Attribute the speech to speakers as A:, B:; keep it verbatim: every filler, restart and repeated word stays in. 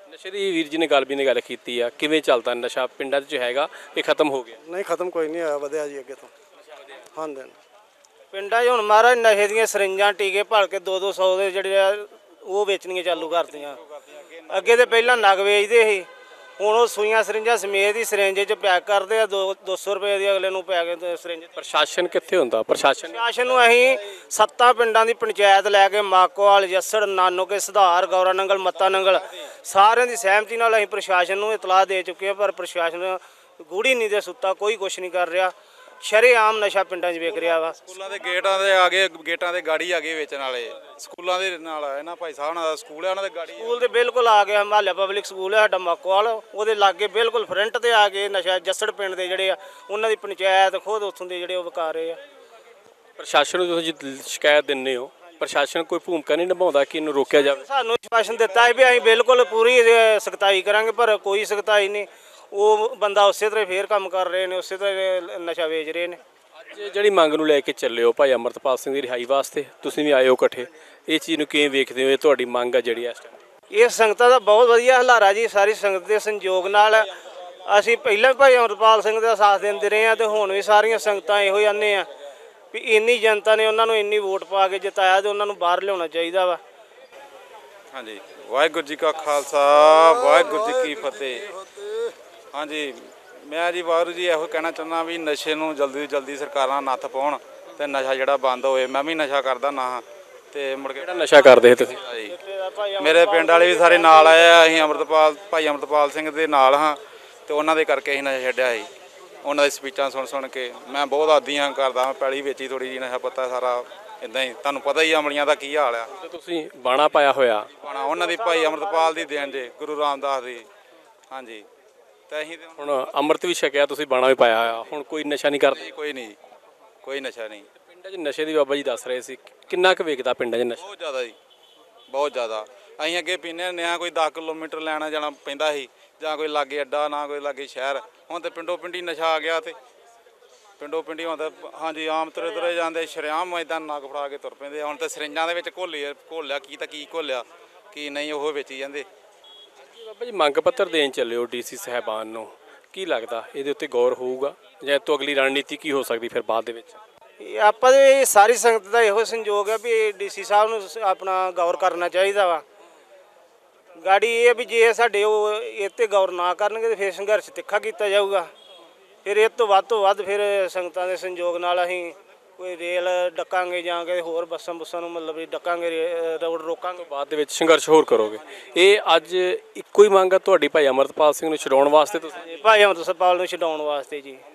A: ਨਸ਼ੇ ਦੀ ਵੀਰ ਜੀ ਨੇ ਗੱਲ ਵੀ ਨੇ ਗੱਲ ਕੀਤੀ ਆ, ਕਿਵੇਂ ਚੱਲਦਾ ਨਸ਼ਾ ਪਿੰਡਾਂ 'ਚ ਹੈਗਾ ਕਿ ਖਤਮ ਹੋ ਗਿਆ?
B: ਨਹੀਂ ਖਤਮ ਕੋਈ ਨਹੀਂ ਹੋਇਆ, ਵਧਿਆ ਜੀ ਅੱਗੇ ਤੋਂ। ਹਾਂਜੀ
C: ਪਿੰਡਾਂ 'ਚ ਹੁਣ ਮਹਾਰਾਜ ਨਸ਼ੇ ਦੀਆਂ ਸਰਿੰਜਾਂ ਟੀਕੇ ਭਲ ਕੇ ਦੋ ਦੋ ਸੌ ਦੇ ਜਿਹੜੇ ਆ ਉਹ ਵੇਚਣੀਆਂ ਚਾਲੂ ਕਰਤੀਆਂ। ਅੱਗੇ ਤੇ ਪਹਿਲਾਂ ਨਗ ਵੇਚਦੇ ਸੀ, ਹੁਣ ਉਹ ਸੂਈਆਂ ਸਰਿੰਜਾਂ ਸਮੇਤ ਹੀ ਸਿਰਿੰਜ 'ਚ ਪੈਕ ਕਰਦੇ ਆ, ਦੋ ਦੋ ਸੌ ਰੁਪਏ ਦੀ ਅਗਲੇ ਨੂੰ ਪੈਕ ਸਿਰਿੰਜ।
A: ਪ੍ਰਸ਼ਾਸਨ ਕਿੱਥੇ ਹੁੰਦਾ? ਪ੍ਰਸ਼ਾਸਨ
C: ਪ੍ਰਸ਼ਾਸਨ ਨੂੰ ਅਸੀਂ ਸੱਤਾਂ ਪਿੰਡਾਂ ਦੀ ਪੰਚਾਇਤ ਲੈ ਕੇ ਮਾਕੋਵਾਲ, ਜੱਸੜ, ਨਾਨੋਕੇ, ਸੁਧਾਰ, ਗੌਰਾ ਨੰਗਲ, ਮੱਤਾ ਨੰਗਲ ਸਾਰਿਆਂ ਦੀ ਸਹਿਮਤੀ ਨਾਲ ਅਸੀਂ ਪ੍ਰਸ਼ਾਸਨ ਨੂੰ ਇਤਲਾਹ ਦੇ ਚੁੱਕੇ ਹਾਂ, ਪਰ ਪ੍ਰਸ਼ਾਸਨ ਗੂੜੀ ਨਹੀਂ ਦੇ ਸੁੱਤਾ, ਕੋਈ ਕੁਛ ਨਹੀਂ ਕਰ ਰਿਹਾ। ਸ਼ਰੇਆਮ ਨਸ਼ਾ ਪਿੰਡਾਂ 'ਚ ਵਿਕ ਰਿਹਾ ਵਾ।
D: ਸਕੂਲਾਂ ਦੇ ਗੇਟਾਂ ਦੇ ਆ ਗਏ, ਗੇਟਾਂ ਦੇ ਗਾੜੀ ਆ ਗਏ ਵੇਚਣ ਵਾਲੇ। ਸਕੂਲਾਂ ਦੇ ਨਾਲ ਇਹਨਾਂ ਭਾਈ ਸਾਹਿਬ ਨਾਲ ਸਕੂਲ ਹੈ, ਉਹਨਾਂ ਦੇ ਗਾੜੀ
C: ਸਕੂਲ ਦੇ ਬਿਲਕੁਲ ਆ ਗਿਆ, ਹਿਮਾਲਿਆ ਪਬਲਿਕ ਸਕੂਲ ਹੈ ਸਾਡਾ ਮਾਕੋਵਾਲ, ਉਹਦੇ ਲਾਗੇ ਬਿਲਕੁਲ ਫਰੰਟ ਤੇ ਆ ਕੇ ਨਸ਼ਾ ਜੱਸੜ ਪਿੰਡ ਦੇ ਜਿਹੜੇ ਆ ਉਹਨਾਂ ਦੀ ਪੰਚਾਇਤ ਖੁਦ ਉੱਥੋਂ ਦੇ ਜਿਹੜੇ ਉਹ ਵਿਕਾ ਰਹੇ ਆ।
A: ਪ੍ਰਸ਼ਾਸਨ ਨੂੰ ਤੁਸੀਂ ਜੇ ਸ਼ਿਕਾਇਤ ਦਿੰਦੇ ਹੋ, ਪ੍ਰਸ਼ਾਸਨ ਕੋਈ ਭੂਮਿਕਾ ਨਹੀਂ ਨਿਭਾਉਂਦਾ ਕਿ ਇਹਨੂੰ ਰੋਕਿਆ ਜਾਵੇ?
C: ਸਾਨੂੰ ਸ਼ਾਸਨ ਦਿੱਤਾ ਹੈ ਵੀ ਅਸੀਂ ਬਿਲਕੁਲ ਪੂਰੀ ਸਖਤਾਈ ਕਰਾਂਗੇ, ਪਰ ਕੋਈ ਸਖਤਾਈ ਨਹੀਂ। ਉਹ ਬੰਦਾ ਉਸੇ ਤਰ੍ਹਾਂ ਫੇਰ ਕੰਮ ਕਰ ਰਹੇ ਨੇ, ਉਸੇ ਤਰ੍ਹਾਂ ਨਸ਼ਾ ਵੇਚ ਰਹੇ ਨੇ।
A: ਅੱਜ ਜਿਹੜੀ ਮੰਗ ਨੂੰ ਲੈ ਕੇ ਚੱਲੇ ਹੋ ਭਾਈ ਅਮਰਤਪਾਲ ਸਿੰਘ ਦੀ ਰਿਹਾਈ ਵਾਸਤੇ, ਤੁਸੀਂ ਵੀ ਆਏ ਹੋ ਇਕੱਠੇ, ਇਹ ਚੀਜ਼ ਨੂੰ ਕਿਵੇਂ ਵੇਖਦੇ ਹੋ? ਇਹ ਤੁਹਾਡੀ ਮੰਗ ਆ ਜਿਹੜੀ ਇਸ ਟਾਈਮ?
C: ਇਹ ਸੰਗਤਾਂ ਦਾ ਬਹੁਤ ਵਧੀਆ ਹਲਾਰਾ ਜੀ, ਸਾਰੀ ਸੰਗਤ ਦੇ ਸੰਯੋਗ ਨਾਲ। ਅਸੀਂ ਪਹਿਲਾਂ ਵੀ ਭਾਈ ਅਮਰਪਾਲ ਸਿੰਘ ਦਾ ਸਾਥ ਦਿੰਦੇ ਰਹੇ ਹਾਂ, ਤੇ ਹੁਣ ਵੀ ਸਾਰੀਆਂ ਸੰਗਤਾਂ ਇਹੋ ਜਾਂਦੇ ਆ ਵੀ ਇੰਨੀ ਜਨਤਾ ਨੇ ਉਹਨਾਂ ਨੂੰ ਇੰਨੀ ਵੋਟ ਪਾ ਕੇ ਜਿਤਾਇਆ, ਤੇ ਉਹਨਾਂ ਨੂੰ ਬਾਹਰ ਲਿਆਉਣਾ ਚਾਹੀਦਾ ਵਾ।
D: ਹਾਂਜੀ, ਵਾਹਿਗੁਰੂ ਜੀ ਕਾ ਖਾਲਸਾ, ਵਾਹਿਗੁਰੂ ਜੀ ਕੀ ਫਤਿਹ। ਹਾਂਜੀ, ਮੈਂ ਜੀ ਵਾਹਿਗੁਰੂ ਜੀ ਇਹੋ ਕਹਿਣਾ ਚਾਹੁੰਦਾ ਵੀ ਨਸ਼ੇ ਨੂੰ ਜਲਦੀ ਤੋਂ ਜਲਦੀ ਸਰਕਾਰਾਂ ਨੱਥ ਪਾਉਣ ਤੇ ਨਸ਼ਾ ਜਿਹੜਾ ਬੰਦ ਹੋਵੇ। ਮੈਂ ਵੀ ਨਸ਼ਾ ਕਰਦਾ ਨਾ ਹਾਂ, ਤੇ ਮੁੜ ਕੇ
A: ਕਿਹੜਾ ਨਸ਼ਾ ਕਰਦੇ ਹੋ ਤੁਸੀਂ?
D: ਮੇਰੇ ਪਿੰਡ ਵਾਲੇ ਵੀ ਸਾਰੇ ਨਾਲ ਆਏ ਆ। ਅਸੀਂ ਅਮਰਤਪਾਲ ਭਾਈ ਅਮਰਤਪਾਲ ਸਿੰਘ ਦੇ ਨਾਲ ਹਾਂ, ਤੇ ਉਹਨਾਂ ਦੇ ਕਰਕੇ ਅਸੀਂ ਨਸ਼ਾ ਛੱਡਿਆ ਸੀ। ਉਹਨਾਂ ਦੀ ਸਪੀਚਾਂ ਸੁਣ ਸੁਣ ਕੇ ਮੈਂ ਬਹੁਤ ਆਦੀ ਹਾਂ ਕਰਦਾ। ਮੈਂ ਪੈਲੀ ਵੇਚੀ ਥੋੜੀ ਜਿਹੀ, ਨਸ਼ਾ ਪੱਤਾ ਸਾਰਾ ਇੱਦਾਂ ਹੀ, ਤੁਹਾਨੂੰ ਪਤਾ ਹੀ ਅਮਲੀਆਂ ਦਾ ਕੀ ਹਾਲ ਆ।
A: ਤੇ ਤੁਸੀਂ ਬਾਣਾ ਪਾਇਆ ਹੋਇਆ?
D: ਬਾਣਾ ਉਹਨਾਂ ਦੀ ਭਾਈ ਅਮਰਤਪਾਲ ਦੀ ਦੇਣ ਜੇ, ਗੁਰੂ ਰਾਮਦਾਸ ਦੀ। ਹਾਂਜੀ, ਤੇ ਅਸੀਂ ਤੇ
A: ਹੁਣ ਅੰਮ੍ਰਿਤ ਵੀ ਛਕਿਆ, ਤੁਸੀਂ ਬਾਣਾ ਵੀ ਪਾਇਆ ਹੋਇਆ, ਹੁਣ ਕੋਈ ਨਸ਼ਾ ਨਹੀਂ ਕਰਦੇ?
D: ਕੋਈ ਨਹੀਂ, ਕੋਈ ਨਸ਼ਾ ਨਹੀਂ।
A: ਪਿੰਡਾਂ 'ਚ ਨਸ਼ੇ ਦੀ ਬਾਬਾ ਜੀ ਦੱਸ ਰਹੇ ਸੀ, ਕਿੰਨਾ ਕੁ ਵੇਚਦਾ ਪਿੰਡਾਂ 'ਚ ਨਸ਼ਾ?
D: ਬਹੁਤ ਜ਼ਿਆਦਾ ਜੀ, ਬਹੁਤ ਜ਼ਿਆਦਾ। ਅਸੀਂ ਅੱਗੇ ਪੀਂਦੇ ਹੁੰਦੇ ਹਾਂ, ਕੋਈ ਦਸ ਕਿਲੋਮੀਟਰ ਲੈਣਾ ਜਾਣਾ ਪੈਂਦਾ ਸੀ, ਜਾਂ ਕੋਈ ਲਾਗੇ ਅੱਡਾ, ਨਾ ਕੋਈ ਲਾਗੇ ਸ਼ਹਿਰ। ਹੁਣ ਤੇ ਪਿੰਡੋਂ ਪਿੰਡੀ ਨਸ਼ਾ ਆ ਗਿਆ, ਤੇ ਪਿੰਡੋਂ ਪਿੰਡੀ ਹੁਣ ਤਾਂ ਹਾਂਜੀ ਆਮ ਤੁਰੇ ਤੁਰੇ ਜਾਂਦੇ, ਸ਼ਰੇਆਮ ਇੱਦਾਂ ਨੱਕ ਫੜਾ ਕੇ ਤੁਰ ਪੈਂਦੇ। ਹੁਣ ਤਾਂ ਸਰਿੰਜਾਂ ਦੇ ਵਿੱਚ ਘੋਲੀ ਘੋਲਿਆ ਕੀ ਤਾਂ ਕੀ ਘੋਲਿਆ ਕੀ ਨਹੀਂ, ਉਹ ਵੇਚੀ ਜਾਂਦੇ।
A: ਬਾਬਾ ਜੀ ਮੰਗ ਪੱਤਰ ਦੇਣ ਚੱਲੇ ਹੋ ਡੀਸੀ ਸਾਹਿਬਾਨ ਨੂੰ, ਕੀ ਲੱਗਦਾ ਇਹਦੇ ਉੱਤੇ ਗੌਰ ਹੋਊਗਾ, ਜਾਂ ਇਹ ਤੋਂ ਅਗਲੀ ਰਣਨੀਤੀ ਕੀ ਹੋ ਸਕਦੀ ਫਿਰ ਬਾਅਦ ਦੇ ਵਿੱਚ?
C: ਇਹ ਆਪਾਂ ਦੇ ਸਾਰੀ ਸੰਗਤ ਦਾ ਇਹੋ ਸੰਯੋਗ ਹੈ ਵੀ ਡੀਸੀ ਸਾਹਿਬ ਨੂੰ ਆਪਣਾ ਗੌਰ ਕਰਨਾ ਚਾਹੀਦਾ ਵਾ। ਗਾੜੀ ਇਹ ਵੀ ਜੇ ਸਾਡੇ ਉਹ ਇਹ 'ਤੇ ਗੌਰ ਨਾ ਕਰਨਗੇ ਤਾਂ ਫਿਰ ਸੰਘਰਸ਼ ਤਿੱਖਾ ਕੀਤਾ ਜਾਊਗਾ। ਫਿਰ ਇਹ ਤੋਂ ਵੱਧ ਤੋਂ ਵੱਧ ਫਿਰ ਸੰਗਤਾਂ ਦੇ ਸੰਯੋਗ ਨਾਲ ਅਸੀਂ ਕੋਈ ਰੇਲ ਡੱਕਾਂਗੇ, ਜਾਂ ਕਿ ਹੋਰ ਬੱਸਾਂ ਬੁੱਸਾਂ ਨੂੰ ਮਤਲਬ ਵੀ ਡੱਕਾਂਗੇ, ਰੋਡ ਰੋਕਾਂਗੇ।
A: ਬਾਅਦ ਦੇ ਵਿੱਚ ਸੰਘਰਸ਼ ਹੋਰ ਕਰੋਗੇ? ਇਹ ਅੱਜ ਇੱਕੋ ਹੀ ਮੰਗ ਆ ਤੁਹਾਡੀ ਭਾਈ ਅਮਰਤਪਾਲ ਸਿੰਘ ਨੂੰ ਛਡਾਉਣ ਵਾਸਤੇ? ਤੁਸੀਂ
C: ਭਾਈ ਅਮਰਤਪਾਲ ਨੂੰ ਛਡਾਉਣ ਵਾਸਤੇ ਜੀ।